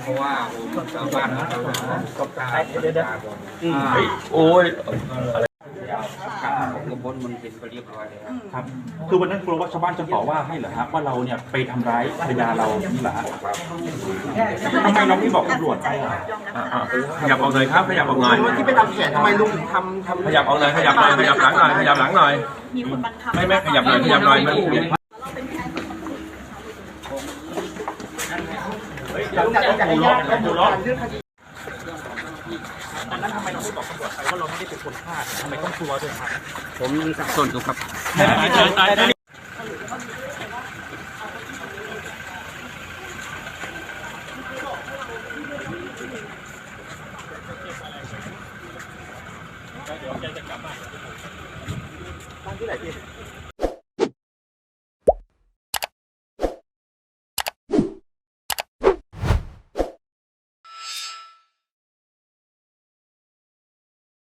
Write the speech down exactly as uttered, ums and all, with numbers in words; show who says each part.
Speaker 1: เพราะว่าชาวบ้านเขาก็กล้าเดี๋ยว
Speaker 2: โอ้ย
Speaker 1: ผมก็พ้นมันเป็นไปเรียบร้อยเลย
Speaker 2: ครับคือวันนั้นกลัวว่าชาวบ้านจะต่อว่าให้เหรอฮะว่าเราเนี่ยไปทำร้ายภรรยาเรานี่แหละทำไมเราไม่บอกตำรวจไปอ่ะขยับออกหน่อยครับขยับออกหน่อย
Speaker 3: ที่ไปทำแผนทำไมลุงถึงทำทำ
Speaker 2: ขยับออกหน่อยขยับหน่อยขยับหลังหน่อยขยับหลังหน่อย
Speaker 4: มีคนบังคับ
Speaker 2: ไม่ไม่ขยับหน่อยขยับหน่อยมัน
Speaker 3: หลังจากจากญาติเขาบอกการเรื่องคดี
Speaker 2: อันนั้นทำไมเราไม่บอกตำรวจไปว่าเราไม่ได้เป็นคนฆ่าทำไมต้องกลัวด้วยครับ
Speaker 1: ผมยังสับสนอยู่ครับ